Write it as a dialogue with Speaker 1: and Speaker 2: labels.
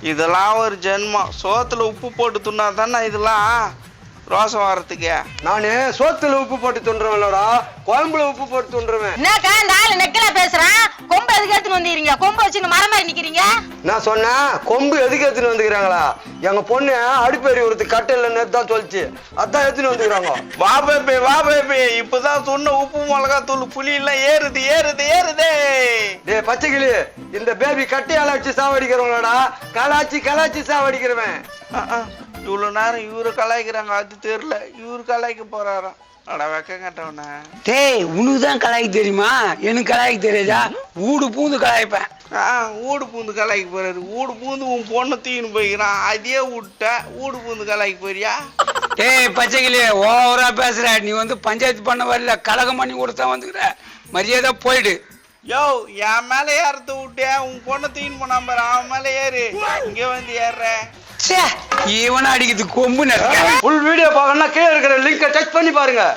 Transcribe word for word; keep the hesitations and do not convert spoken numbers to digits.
Speaker 1: இதெல்லாம் ஒரு ஜென்மம். சோத்துல உப்பு போட்டு துண்ணா தானே இதெல்லாம் ரோசம் வர்றதுக்கு.
Speaker 2: நானு சோத்துல உப்பு போட்டு துண்டுறவன்லடா, குழம்புல உப்பு போட்டு துண்டுருவேன்.
Speaker 3: என்னக்கா இந்த ஆளு நெக்கல பேசுறான்? கொம்பு எதுக்கு எடுத்துன்னு வந்துறீங்க? கொம்பு வச்சு மரம் மாதிரி நிக்கிறீங்க.
Speaker 2: நான் சொன்னேன் கொம்பு எதுக்கு எடுத்துன்னு வந்துக்கிறாங்களா? எங்க பொண்ணு அடுப்பேறி ஒருத்து கட்டையில நேத்து தான் சொல்லிச்சு, அதான் எடுத்துன்னு வந்துக்கிறாங்க.
Speaker 1: வா பேபி வா பேபி, இப்பதான் சொன்ன உப்பு மிளகா தூள் புளி எல்லாம் ஏறுது ஏறுது ஏறுதே.
Speaker 2: டே பச்சைக்கிளி, இந்த பேபி கட்டையால வச்சு சாவடிக்கிறவங்களடா, கலாச்சி கலாச்சி சாவடிக்கிறவன்.
Speaker 1: இவ்வளவு நேரம் இவரு கலாய்க்கிறாங்க, அது தெரியல இவரு கலாய்க்க போறாராம். அட வெக்க கட்டவன.
Speaker 4: டேய் உனக்குதான் கலாய்க்க தெரியுமா? எனக்கு கலாய்க்க தெரியாதா? ஊடு பூந்து கலாய்ப்பேன்.
Speaker 1: ஆஹ் ஊடு பூந்து கலாய்க்க போறாரு. ஊடு பூந்து உன் பொண்ணு தீன்னு போய்க்கிறான், அதே விட்ட ஊடு பூந்து கலாய்க்க போறியா?
Speaker 4: டேய் பச்சைக்கிளி, ஓவரா பேசுற. நீ வந்து பஞ்சாயத்து பண்ண வரல, கலகம் பண்ணி கொடுத்தா வந்துக்கிற. மரியாதை போயிடு.
Speaker 1: யோ என் மேல ஏறத விட்டியா? உன் பொண்ணு தீன் போனாம பாரு, அவன் மேல ஏறு. இங்க வந்து ஏறுற.
Speaker 4: இவனை அடிக்கிறது கொம்பு.
Speaker 2: ஃபுல் வீடியோ பார்க்கணும்னா கீழே இருக்கிற லிங்கை டச் பண்ணி பாருங்க.